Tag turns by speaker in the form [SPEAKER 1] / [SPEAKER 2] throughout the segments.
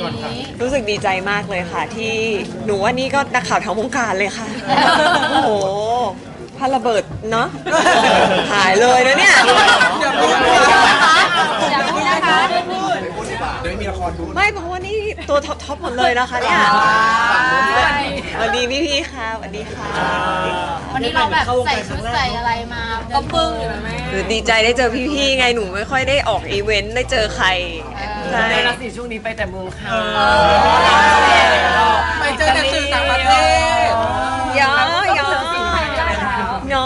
[SPEAKER 1] รู้สึกดีใจมากเลยค่ะที่หนูว่านี่ก็นักข่าวทั้งวงการเลยค่ะ โอ้โหพาระเบิดเนาะหายเลยนะเนี่ย
[SPEAKER 2] อย่าพูดนะคะ
[SPEAKER 3] อย่าพูดนะคะ
[SPEAKER 2] เดี๋ยวมีละครดู
[SPEAKER 1] ไม่เพราะว่านี่ตัวท็อปหมดเลยนะคะเนี่ยสวัสดีพี่ๆค่ะสวัสดีค่ะ
[SPEAKER 3] วันนี้เราแบบใส่ชุดใส่อะไรมาก็ปึ้งอยู่นะแม่
[SPEAKER 1] คือดีใจได้เจอพี่ๆไงหนูไม่ค่อยได้ออกอีเวนต์ได้เจอใครใช่
[SPEAKER 4] ในรัศีช่วงนี้ไปแต่เมืองคาน
[SPEAKER 2] ไปเจอแต่สื่อต่างประเทศ
[SPEAKER 1] ยอ no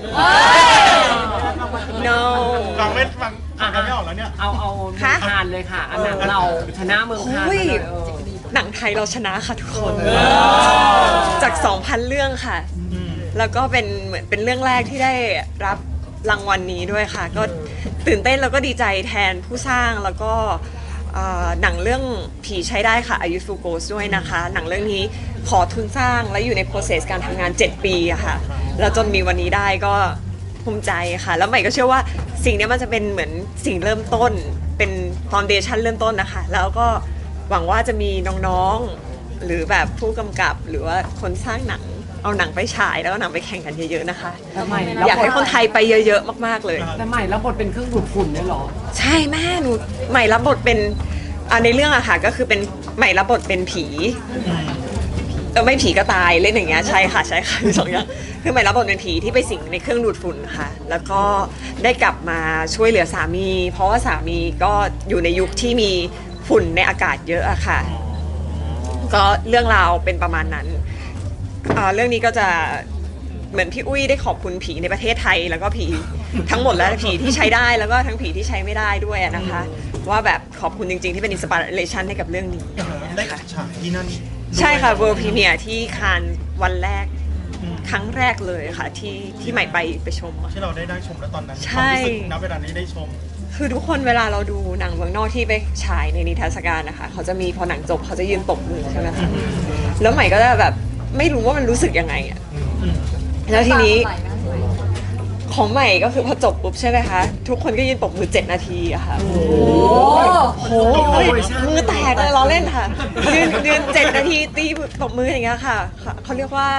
[SPEAKER 1] no
[SPEAKER 5] ฟังไม่ฟังไม่ออกแล้วเนี่ย
[SPEAKER 4] เอาเมืองคานเลยค่ะอันนั้นเราชนะเมืองคาน
[SPEAKER 1] โอ้ย
[SPEAKER 4] เลย
[SPEAKER 1] หนังไทยเราชนะค่ะทุกคนจาก 2,000 เรื่องค่ะ แล้วก็เป็นเหมือนเป็นเรื่องแรกที่ได้รับรางวัลนี้ด้วยค่ะ ก็ตื่นเต้นแล้วก็ดีใจแทนผู้สร้างแล้วก็หนังเรื่องผีใช้ได้ค่ะ A Youthful Ghost ด้วยนะคะ หนังเรื่องนี้ขอทุนสร้างและอยู่ใน process การทำงาน 7 ปีอะค่ะ แล้วจนมีวันนี้ได้ก็ภูมิใจค่ะ แล้วใหม่ก็เชื่อว่าสิ่งนี้มันจะเป็นเหมือนสิ่งเริ่มต้น เป็น foundation เริ่มต้นนะคะ แล้วก็หวังว่าจะมีน้องๆ หรือแบบผู้กำกับหรือว่าคนสร้างหนังเอาหนังไปฉายแล้วก็หนังไปแข่งกันเยอะๆนะคะ
[SPEAKER 4] แต่ใหม่
[SPEAKER 1] อยากให้คนไทยไปเยอะๆมากๆเลย
[SPEAKER 4] แต่ใหม่แล้วบทเป็นเครื่องดูดฝุ่นเนี่ยเหรอ
[SPEAKER 1] ใช่แม่หนูใหม่รับบทเป็นในเรื่องอะค่ะก็คือเป็นใหม่รับบทเป็นผีไม่ผีก็ตายเล่นอย่างเงี้ยใช่ค่ะมีสองอย่างคือใหม่รับบทเป็นผีที่ไปสิงในเครื่องดูดฝุ่นค่ะ แล้วก็ได้กลับมาช่วยเหลือสามี เพราะว่าสามีก็อยู่ในยุคที่มีฝุ่นในอากาศเยอะอะค่ะ ก็เรื่องราวเป็นประมาณนั้นเรื่องนี้ก็จะเหมือนพี่อุ้ยได้ขอบคุณผีในประเทศไทย แล้วก็ผีทั้งหมดและผีที่ใช้ได้แล้วก็ทั้งผีที่ใช้ไม่ได้ด้วยนะคะ ว่าแบบขอบคุณจริงๆที่เป็นอินสปิเรชันให้กับเรื่องนี้
[SPEAKER 5] ได้ฉายที่นั่น
[SPEAKER 1] ใช่ค่ะ World Premiere ที่คานส์วันแรกครั้งแรกเลยค่ะที่ใหม่ไปชมอะ
[SPEAKER 5] ที่เราได้ชมแล้วตอนนั้น
[SPEAKER 1] ใช่
[SPEAKER 5] ความรู้สึกณเวลานี้ได้ชม
[SPEAKER 1] คือทุกคนเวลาเราดูหนังเมืองนอกที่ไปฉายในนิทรรศการนะคะเขาจะมีพอหนังจบเขาจะยืนปรบมือใช่ไหมคะแล้วใหม่ก็จะแบบไม่รู้ว่ามันรู้สึกยังไงอะแล้วทีนี้ของใหม่ก็คือพอจบปุ๊บใช่ไหมคะทุกคนก็ยืนปรบมือ7 นาทีอะค่ะโอ้โหมือแตกเลยล้อเล่นค่ะยืน7 นาทีตีปรบมืออย่างเงี้ยค่ะเขาเรียกว่า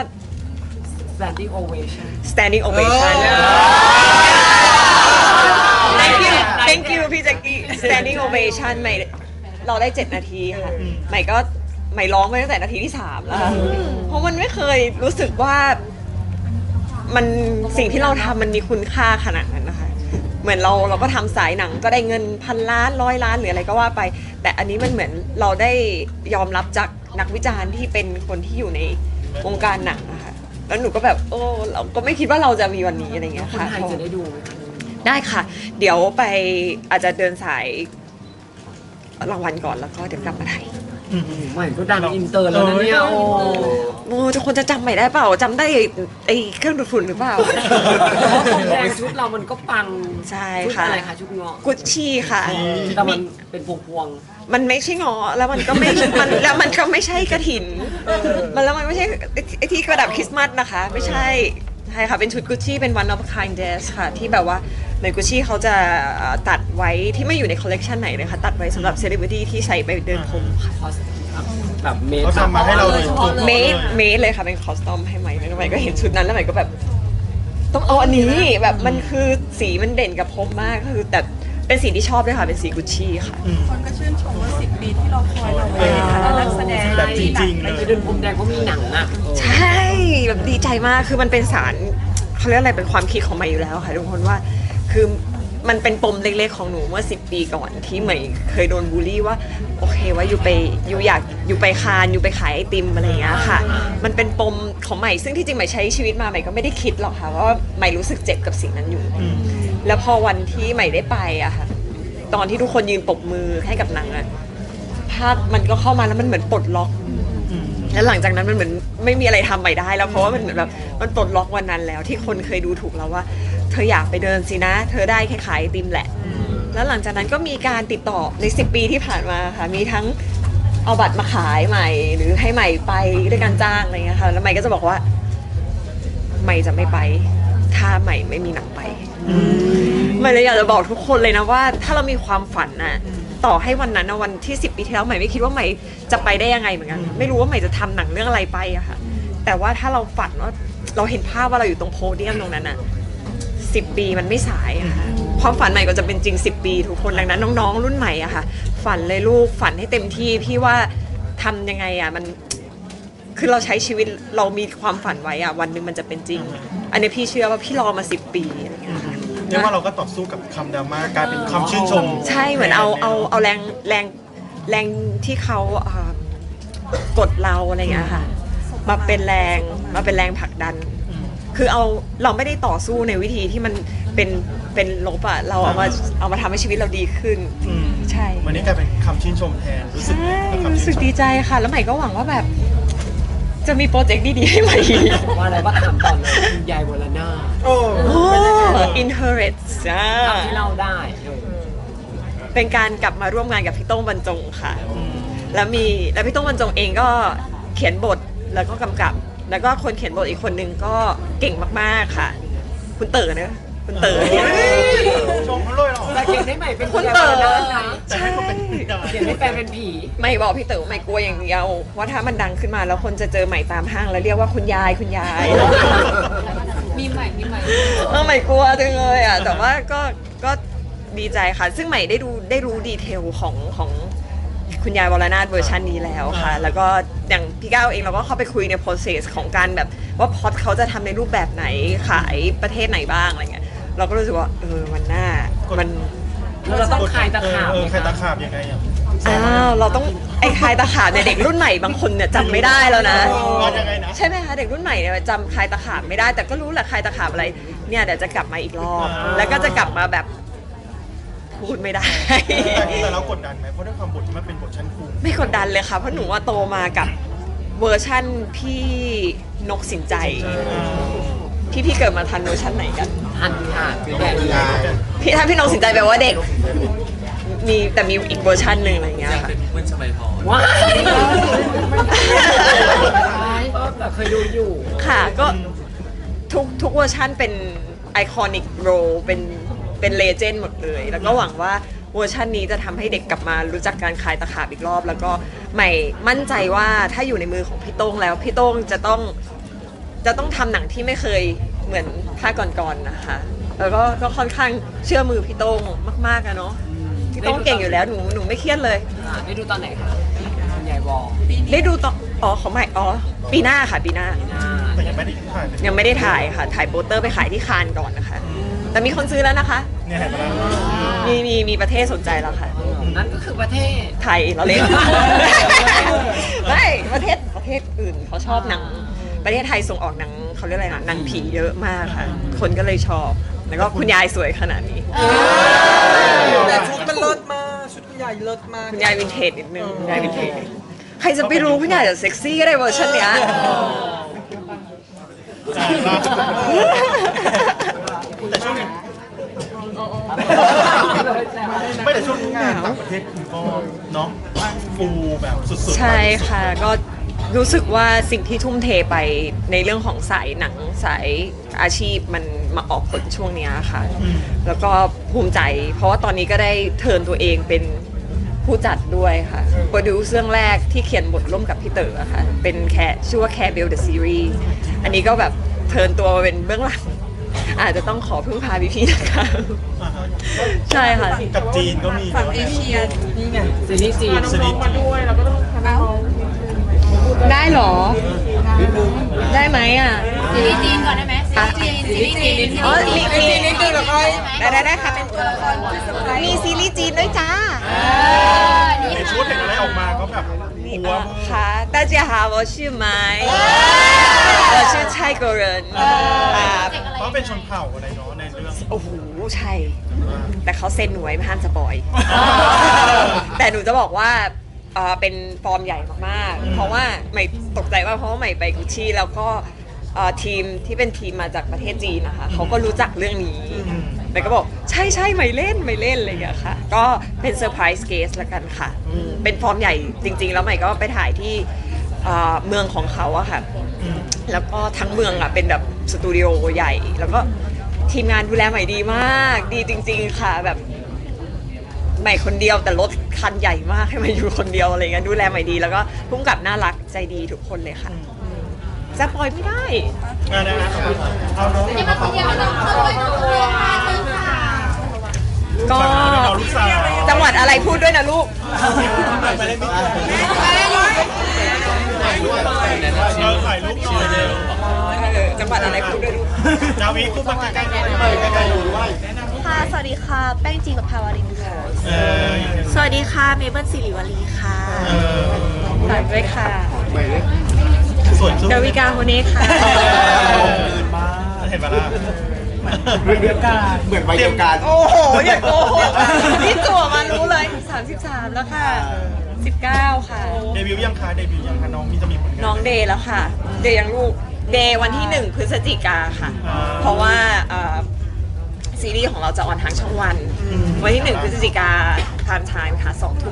[SPEAKER 4] standing ovation
[SPEAKER 1] standing ovation thank you พี่แจ็คกี้ standing ovation ใหม่เราได้7 นาทีค่ะใหม่ร้องไปตั้งแต่นาทีที่3แล้วค่ะเพราะมันไม่เคยรู้สึกว่ามันสิ่งที่เราทำมันมีคุณค่าขนาดนั้นนะคะเหมือนเราก็ทำสายหนังก็ได้เงิน1,000 ล้าน100 ล้านหรืออะไรก็ว่าไป แต่อันนี้มันเหมือนเราได้ยอมรับจากนักวิจารณ์ที่เป็นคนที่อยู่ในวงการหนังนะคะแล้วหนูก็แบบเราก็ไม่คิดว่าเราจะมีวันนี้อะไรเงี้ย
[SPEAKER 4] คน
[SPEAKER 1] ค่ะ
[SPEAKER 4] ไทยจะได้ดูไหมคะ
[SPEAKER 1] ได้ค่ะ เดี๋ยวไปอาจจะเดินสายรางวัลก่อนแล้วก็เดี๋ยวกลับมาไทย
[SPEAKER 4] ใหม่ก็ดังอินเตอร์แล้วนะเนี่ยโอ้
[SPEAKER 1] ทุกคนจะจำใหม่ได้เปล่าจำได้ไอ้เครื่องดูดฝุ่นหรือเปล่า
[SPEAKER 4] คนแดงชุดเรามันก็ปัง
[SPEAKER 1] ใช่
[SPEAKER 4] ชุด
[SPEAKER 1] ค่ะ
[SPEAKER 4] อะไรคะชุดเงาะ
[SPEAKER 1] กุชชี่ค่ะ
[SPEAKER 4] แต่มันเป็นพวง
[SPEAKER 1] มันไม่ใช่งอแล้วมันก็ไม่ แล้วมันก็ไม่ใช่กระถินแล้วมันไม่ใช่ไอ้ที่กระดับคริสต์มาสนะคะ ไม่ใช่ใช่ค่ะเป็นชุดกุชชี่เป็น one of a kind dress ค่ะที่แบบว่าเหมือนกุชชี่เขาจะตัดไว้ที่ไม่อยู่ในคอลเลกชันไหนเลยค่ะตัดไว้สำหรับเซเลบริตี้ที่ใส่ไปเดินพรมค่ะ
[SPEAKER 4] ๆคอสแบบเมด
[SPEAKER 5] เขาทำมาให้เราโดยตรง
[SPEAKER 1] เมดเลยค่ะเป็นคอสตอมให้ใหม่แล้วใหม่ก็เห็นชุดนั้นแล้วใหม่ก็แบบต้องเอาอันนี้แบบมันคือสีมันเด่นกับผมมากคือแต่เป็นสีที่ชอบด้วยค่ะเป็นสีกุชชี่ค่ะ
[SPEAKER 6] คนก็ชื่นชมว่า10 ปีที่เราคอยเราในฐานะนักแสดง
[SPEAKER 5] แบบจริงๆ
[SPEAKER 4] ไป
[SPEAKER 5] เลย
[SPEAKER 4] เดินพรมแดงก็มีหนังอ่ะ
[SPEAKER 1] ใช่แบบดีใจมากคือมันเป็นสารเขาเรียกอะไรเป็นความคิดของใหม่อยู่แล้วค่ะทุกคนว่าคือมันเป็นปมเล็กๆของหนูเมื่อ10 ปีก่อนที่ใหม่เคยโดนบูลลี่ว่าโอเคว่าอยู่อยากอยู่ไปคานอยู่ไปขายไอติมอะไรอย่างเงี้ยค่ะมันเป็นปมของใหม่ซึ่งที่จริงใหม่ใช้ชีวิตมาใหม่ก็ไม่ได้คิดหรอกค่ะว่าใหม่รู้สึกเจ็บกับสิ่งนั้นอยู่ แล้วพอวันที่ใหม่ได้ไปอะค่ะตอนที่ทุกคนยืนปรบมือให้กับหนังอะภาพมันก็เข้ามาแล้วมันเหมือนปลดล็อกแล้วหลังจากนั้นมันเหมือนไม่มีอะไรทำใหม่ได้แล้วเพราะว่ามันเหมือนแบบมันปลดล็อกวันนั้นแล้วที่คนเคยดูถูกเราว่าเธออยากไปเดินสินะ เธอได้แค่ขายไอติมแหละแล้วหลังจากนั้นก็มีการติดต่อใน10 ปีที่ผ่านมาค่ะมีทั้งเอาบัตรมาขายใหม่หรือให้ใหม่ไปด้วยการจ้างอะไรเงี้ยค่ะแล้วใหม่ก็จะบอกว่าใหม่จะไม่ไปถ้าใหม่ไม่มีหนังไปใหม่เลยอยากจะบอกทุกคนเลยนะว่าถ้าเรามีความฝันน่ะต่อให้วันนั้นนะวันที่10 ปีที่แล้วใหม่ไม่คิดว่าใหม่จะไปได้ยังไงเหมือนกันไม่รู้ว่าใหม่จะทำหนังเรื่องอะไรไปอะค่ะแต่ว่าถ้าเราฝันว่าเราเห็นภาพว่าเราอยู่ตรงโพเดียมตรงนั้นอะ10 ปีมันไม่สายอะค่ะความฝันใหม่ก็จะเป็นจริง10 ปีทุกคนดังนั้นน้องๆรุ่นใหม่อะค่ะฝันเลยลูกฝันให้เต็มที่พี่ว่าทำยังไงอะมันคือเราใช้ชีวิตเรามีความฝันไว้อะวันหนึ่งมันจะเป็นจริง อันนี้พี่เชื่อว่าพี่รอมา10 ปีอะไรอย่างเงี้ยค่ะ
[SPEAKER 5] เรียกว่าเราก็ต่อสู้กับคำดราม่ากลายเป็นคำชื่นชม
[SPEAKER 1] ใช่เหมือนเอาแรงที่เขากดเราอะไรอย่างเงี้ยค่ะมาเป็นแรงผลักดัน คือเราไม่ได้ต่อสู้ในวิธีที่มันเป็นลบอะเราเอามาทำให้ชีวิตเราดีขึ้น ใช่
[SPEAKER 5] วันนี้กลายเป็นคำชื่นชมแทนรู้สึก
[SPEAKER 1] ใช่
[SPEAKER 5] กับคำ
[SPEAKER 1] รู้
[SPEAKER 5] ชื่
[SPEAKER 1] สึ
[SPEAKER 5] น
[SPEAKER 1] ก
[SPEAKER 5] ชม
[SPEAKER 1] ดีใจค่ะ แล้วใหม่ก็หวังว่าแบบ จะมีโปรเจกต์ดีๆให้ใหม่
[SPEAKER 4] ว่าอะไรว่าถามก่อนเลยคุณยายวรนาถ
[SPEAKER 5] โอ้
[SPEAKER 1] โอ้ Inherit จ้า
[SPEAKER 4] ทำที่เราได้
[SPEAKER 1] เป็นการกลับมาร่วมงานกับพี่โต้งบรรจงค่ะ แล้วพี่โต้งบรรจงเองก็เขียนบทแล้วก็กำกับ แล้วก็คนเขียนบทอีกคนนึงก็เก่งมากๆค่ะ คุณเต๋อเนอะคุณเต๋อ
[SPEAKER 5] ชมเขาเลยเหรอ
[SPEAKER 4] แต่เขียนได้ใหม่เป็น
[SPEAKER 1] คุณ
[SPEAKER 4] ยาย
[SPEAKER 1] เต๋
[SPEAKER 4] ว
[SPEAKER 1] อ
[SPEAKER 4] รนาถนะ
[SPEAKER 5] แต่ให้คนเป็นดา
[SPEAKER 4] เขียนให้แฟนเป็นผี
[SPEAKER 1] ไม่บอกพี่เต๋อไม่กลัวอย่างเดียวว่าถ้ามันดังขึ้นมาแล้วคนจะเจอใหม่ตามห้างแล้วเรียกว่าคุณยาย
[SPEAKER 3] มีใหม่
[SPEAKER 1] ใหม่กลัวจังเลยอ่ะแต่ว่าก็ดีใจค่ะ ซึ่งใหม่ได้รู้ดีเทลของคุณยายวรนาถเวอร์ชันนี้แล้วค่ะ แล้วก็อย่างพี่ก้าวเองเราก็เข้าไปคุยใน process ของการแบบว่าพอดเขาจะทำในรูปแบบไหนขายประเทศไหนบ้างอะไรเงี้ยเราก็รู้สึกว่ามันน่ามัน
[SPEAKER 4] แล้วเราต้องคลายตะขาบไหม
[SPEAKER 5] คลายตะ
[SPEAKER 4] คะ
[SPEAKER 5] ขาบยังไงอ่ะ
[SPEAKER 1] เราต้องไอ้คลายตะขาบเนี่ยเด็กรุ่นใหม่บางคนเนี่ยจำไม่ได้แล้วนะ
[SPEAKER 5] ว่ายังไงนะ
[SPEAKER 1] ใช่ไหมคะเด็กรุ่นใหม่เนี่ยจำคลายตะขาบไม่ได้แต่ก็รู้แหละคลายตะขาบอะไรเนี่ยเดี๋ยวจะกลับมาอีกรอบแล้วก็จะกลับมาแบบพูดไม่ได้
[SPEAKER 5] แต่เรากดดันไหมเพราะด้วยความบทที่มันเป็นบทชั้นครู
[SPEAKER 1] ไม่กดดันเลยค่ะเพราะหนูว่าโตมากับเวอร์ชั่นพี่นกสินใจพี่เกิดมาทันเวอร์ชั่นไหนกัน
[SPEAKER 4] ทันค่ะคือแบบนี้
[SPEAKER 1] ถ้าพี่นกสินใจแปลว่าเด็กมีอีกเวอร์ชันหนึ่งอะไรอย่างเงี้ยค่ะ
[SPEAKER 4] ว้ายแต่เคยดูอยู่
[SPEAKER 1] ค่ะก็ทุกเวอร์ชันเป็นไอคอนิกโรเป็นเลเจนด์หมดเลย แล้วก็หวังว่าเวอร์ชันนี้จะทำให้เด็กกลับมารู้จักการคลายตะขาบอีกรอบ แล้วก็ใหม่มั่นใจว่าถ้าอยู่ในมือของพี่โต้งแล้วพี่โต้งจะต้องทำหนังที่ไม่เคยเหมือนภาคก่อนๆนะคะแล้วก็ค่อนข้างเชื่อมือพี่โต้งมากๆอะเนาะพี่โต้งเก่งอยู่แล้วหนูไม่เครียดเลย
[SPEAKER 4] ได้ดูตอนไหนคะคุณยายวอ
[SPEAKER 1] ได้ดูตอนของใหม่ปีหน้าค่ะปีหน้า
[SPEAKER 5] แต่ยังไม่ได้ถ่าย
[SPEAKER 1] ยังไม่ได้ถ่ายค่ะถ่ายโปสเตอร์ไปขายที่คานก่อนนะคะ แต่มีคนซื้อแล้วนะคะ
[SPEAKER 5] เนี่ยเห็นไหมล่ะ
[SPEAKER 1] มีประเทศสนใจแล้วค่ะ
[SPEAKER 4] นั่นก็คือประเทศ
[SPEAKER 1] ไทยเราเล่น ไม่ประเทศอื่นเขาชอบหนังประเทศไทยส่งออกหนังเขาเรียกอะไรนะหนังผีเยอะมากค่ะ คนก็เลยชอบ แล้วก็คุณยายสวยขนาดนี้
[SPEAKER 2] แต่ชุดมันเลิศมากชุดคุณยายเลิศมาก
[SPEAKER 1] คุณยายวินเทจนิดนึงคุณยายวินเทจใครจะไปรู้คุณยายจะเซ็กซี่ก็ได้เวอร์ชันเนี้ย
[SPEAKER 5] แต่ช่วงนี้ไม่แต่ช่วงนี้งานต่างประเทศคุณก็เนาะฟูแบบสุดๆ
[SPEAKER 1] ใช่ค่ะก็รู้สึกว่าสิ่งที่ทุ่มเทไปในเรื่องของสายหนังสายอาชีพมันมาออกผลช่วงเนี้ยค่ะ แล้วก็ภูมิใจ เพราะว่าตอนนี้ก็ได้เทิร์นตัวเองเป็นผู้จัดด้วยค่ะโปรดิวซ์เรื่องแรกที่เขียนบทร่วมกับพี่เต๋อค่ะเป็นชื่อว่า Care Bell the Series อันนี้ก็แบบเทิร์นตัวมาเป็นเบื้องหลังอาจจะต้องขอพึ่งพาพี่ๆนะคะ
[SPEAKER 5] อ่าฮะ
[SPEAKER 1] ใช่ค่ะ
[SPEAKER 5] กับจีนก็มี
[SPEAKER 6] ฝั่งเอเชียนี่ไง
[SPEAKER 4] ซีรีส์จีน
[SPEAKER 5] สนิท
[SPEAKER 1] ได้เหรอ ได้ไหมอ่ะ
[SPEAKER 3] ซีรีส์จีนก่อนได้ไหมซีรีส์จีน
[SPEAKER 1] อ๋อมี
[SPEAKER 2] นิดนึงแล้วค่อย
[SPEAKER 1] ได้ค่ะเป็นตัวละครมีซีรีส์จีนด้วยจ้า
[SPEAKER 5] ในชุดเห็นอะไรออกมาก็แบบหัว
[SPEAKER 1] ค่ะ大家好我是ไม้我是泰国人
[SPEAKER 5] เพราะเป็นชนเผ่าอะไรเนาะในเรื่อง
[SPEAKER 1] โอ้โหใช่ แต่เขาเซ็นหนูไว้ไม่ห้ามสปอย แต่หนูจะบอกว่าเป็นฟอร์มใหญ่มากๆ เพราะว่าใหม่ตกใจว่าเพราะว่าใหม่ไปกุชชี่แล้วก็ทีมที่เป็นทีมมาจากประเทศจีนนะคะเขาก็รู้จักเรื่องนี้ใหม่ก็บอกใช่ใหม่เล่นอะไรอย่างเงี้ยค่ะ ก็เป็นเซอร์ไพรส์เกสละกันค่ะเป็นฟอร์มใหญ่จริง ๆ แล้วใหม่ก็ไปถ่ายที่เมืองของเขาอะค่ะ แล้วก็ทั้งเมืองอะเป็นแบบสตูดิโอใหญ่ แล้วก็ทีมงานดูแลใหม่ดีมาก ดีจริง ๆ ค่ะแบบใหม่คนเดียวแต่รถคันใหญ่มากให้ใหม่อยู่คนเดียวอะไรเงี้ยดูแลใหม่ดีแล้วก็พุ่งกับน่ารักใจดีทุกคนเลยค่ะจะปล่อยไม่ได้
[SPEAKER 5] เอาน้อง
[SPEAKER 3] นี่มันคนเดียวเราเข้าไปดูเลยค่ะเชิญค่ะ
[SPEAKER 1] ก็
[SPEAKER 5] ลูกสาว
[SPEAKER 1] จังหวัดอะไรพูดด้วยนะลูก
[SPEAKER 5] ไปเล่นบิ๊กถ่ายรูปหน่อยเร็ว
[SPEAKER 1] จังหวัดอะไรพูดด้วยลูก
[SPEAKER 5] ดาวิพูดมาใกล้ๆใกล้ๆดูด้วย
[SPEAKER 7] ค่ะ สวัสดีค่ะ แป้งจีกับภาวรินค่ะ
[SPEAKER 5] เออ
[SPEAKER 7] สวัสดีค่ะ เมเบิลสิริวลีค่ะ
[SPEAKER 1] ฝากด้วยค่ะ
[SPEAKER 5] ส่วนชุด
[SPEAKER 1] ดาวิกาโฮเน่ค่ะ
[SPEAKER 5] เห็นปะล่ะ
[SPEAKER 2] เหมือนวัยเดียวกัน
[SPEAKER 1] โอ้โหอย่าโกหกนี่ตัวมารู้เลย33แล้วค่ะ19ค่ะ
[SPEAKER 5] เดบิวต์ยังคะน้องมีจะมีผลงาน
[SPEAKER 1] น้องเดย์แล้วค่ะ เดย์ยังลูก เดย์วันที่1 พฤศจิกาค่ะ เพราะว่าซีรีส์ของเราจะออนทางช่องวัน วันที่1 พฤศจิกาทางชานค่ะ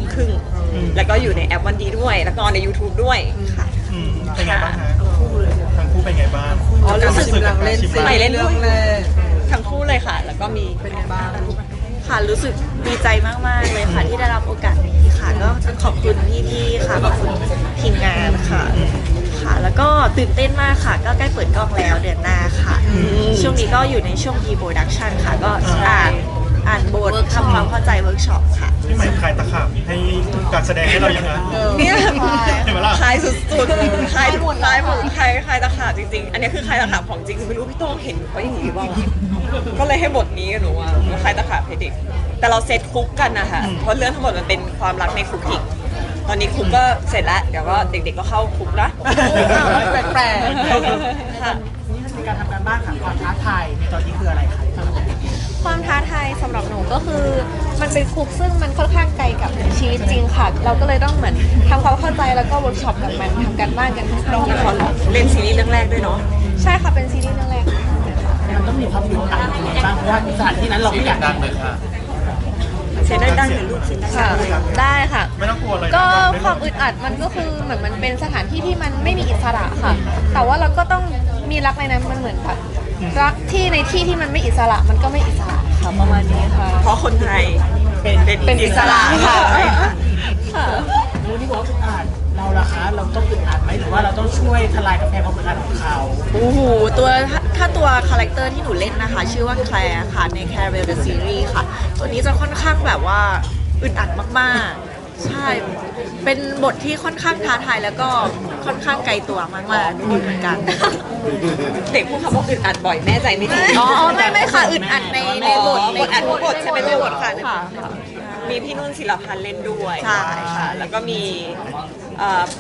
[SPEAKER 1] 20:30แล้วก็อยู่ในแอปวันดีด้วย แล้วก็ใน YouTube ด้วยค่ะ
[SPEAKER 5] เป็นไงบ้างฮะทั้งคู่เป็นไงบ้าง
[SPEAKER 1] อ๋อรู้สึก
[SPEAKER 2] เล่น
[SPEAKER 1] ใหม่เล่นด้วย
[SPEAKER 2] แรก
[SPEAKER 1] ทั้งคู่เลยค่ะ แล้วก็มี
[SPEAKER 2] เป็นไงบ้าง
[SPEAKER 7] ค่ะ รู้สึกดีใจมาก ๆ เลยค่ะ ที่ได้รับโอกาสนี้ค่ะ ก็ต้องขอบคุณพี่ๆค่ะ ขอบคุณทีมงานค่ะ ค่ะ แล้วก็ตื่นเต้นมากค่ะ ก็ใกล้เปิดกล้องแล้วเดือนหน้าค่ะ ช่วงนี้ก็อยู่ในช่วง pre-production ค่ะ ก็อ่านบททำความเข้าใจเวิร์กช็อปค่ะ
[SPEAKER 5] พี่ใหม่คลายตะขาบให้การแสดงให้เรายังไง
[SPEAKER 1] เนี่ย
[SPEAKER 5] เห็นไหมล่ะ
[SPEAKER 1] คลายสุดๆคลายหมดคลายตะขาบจริงๆ อันนี้คือคลายตะขาบของจริงคือไม่รู้พี่โต้งเห็นเขาอย่างนี้หรือเปล่าก็เลยให้บทนี้กับหนูอ่ะคลายตะขาบให้เด็กแต่เราเซตคุกกันนะคะเพราะเรื่องทั้งหมดมันเป็นความรักในคุกอีกตอนนี้คุกก็เสร็จแล้วเดี๋ยวก็เด็กๆก็เข้าคุกนะ
[SPEAKER 2] แปลก
[SPEAKER 1] ค่ะ
[SPEAKER 4] ในการทำการบ้านค่ะความท้าทายในตอนนี้คืออะไรคะ
[SPEAKER 7] ความท้าทายสำหรับหนูก็คือมันเป็นคุกซึ่งมันค่อนข้างไกลกับชีวิตจริงค่ะ เราก็เลยต้องเหมือนทำความเข้าใจแล้วก็เวิร์กช็อปกับมันทำการบ้านกันค่อนข้างเย
[SPEAKER 1] เขา
[SPEAKER 7] อะ
[SPEAKER 1] เล่นซีรีส์เรื่องแรกด้วยเนาะ
[SPEAKER 7] ใช่ค่ะ เป็นซีรีส์เรื่องแรกค่ะ
[SPEAKER 4] มันต้องมีความอึดอัดยังไงบ้างเพราะว่าสถานที่นั้นเราไม่อยากดังเลยค่ะ
[SPEAKER 1] เสียงดังๆหน่อยลูกเสียงดัง
[SPEAKER 7] ค่ะ ได้ค่ะ
[SPEAKER 5] ไม่ต้องกลัวเลย
[SPEAKER 7] ก็ความอึดอัดมันก็คือเหมือนมันเป็นสถานที่ที่มันไม่มีอิสระค่ะ แต่ว่าเราก็ต้องมีรักในนั้นมันเหมือนแบบรักที่ในที่ที่มันไม่อิสระมันก็ไม่อิสระค่ะประมาณนี้ค่ะ
[SPEAKER 1] เพราะคนไทยเป็นอิสระค่ะ
[SPEAKER 7] ค่ะ
[SPEAKER 4] รู้ที่บอกว่าอึดอัดเราล่ะคะเราต้องอึดอัดไหมหรือว่าเราต้องช่วยทลายกำแพงความอึดอัดของเขา
[SPEAKER 7] โอ้โหถ้าตัวคาแรคเตอร์ที่หนูเล่นนะคะ ชื่อว่าแคลร์ค่ะใน Claire the Series ค่ะ ตัวนี้จะค่อนข้างแบบว่าอึดอัดมากๆ ใช่ เป็นบทที่ค่อนข้างท้าทายแล้วก็ค่อนข้างไกลตัวมากๆอยู่เหมือนกัน
[SPEAKER 1] เด็กพูดคำว่าอึดอัดบ่อยแม่ใจไม่ดี
[SPEAKER 7] อ๋อไม่ค่ะอึดอัดในบท
[SPEAKER 1] บทอัดทุกบทใช่ไหมในบทค่ะ
[SPEAKER 7] ค่ะ
[SPEAKER 1] มีพี่นุ่นศิลพันธ์เล่นด้วย
[SPEAKER 7] ใช่ค่ะ
[SPEAKER 1] แล้วก็มีเอ่อ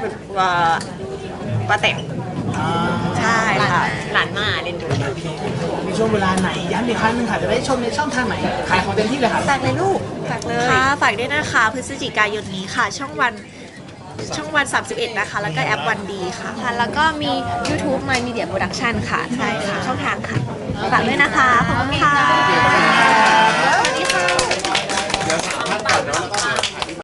[SPEAKER 1] ป้าแต๋ว
[SPEAKER 7] ใช่ค่ะ
[SPEAKER 1] หลานมาเล่นด้วย
[SPEAKER 4] มีช่วงเวลาไหนย้ำอีกครั้งหนึงค่ะจะได้ชมในช่องทางไหนขายของเต็มที่เลยค่ะ
[SPEAKER 1] ฝากเลยลูกฝากเลย
[SPEAKER 7] ค่ะฝากด้วยนะคะพฤศจิกายนนี้ค่ะ ช่องวัน 31 นะคะ แล้วก็แอปวันดีค่ะ แล้วก็มี YouTube My Media Production ค่ะ ใช่ค่ะ ช่องทางค่ะ ฝากด้วยนะคะ ขอบคุณค่ะ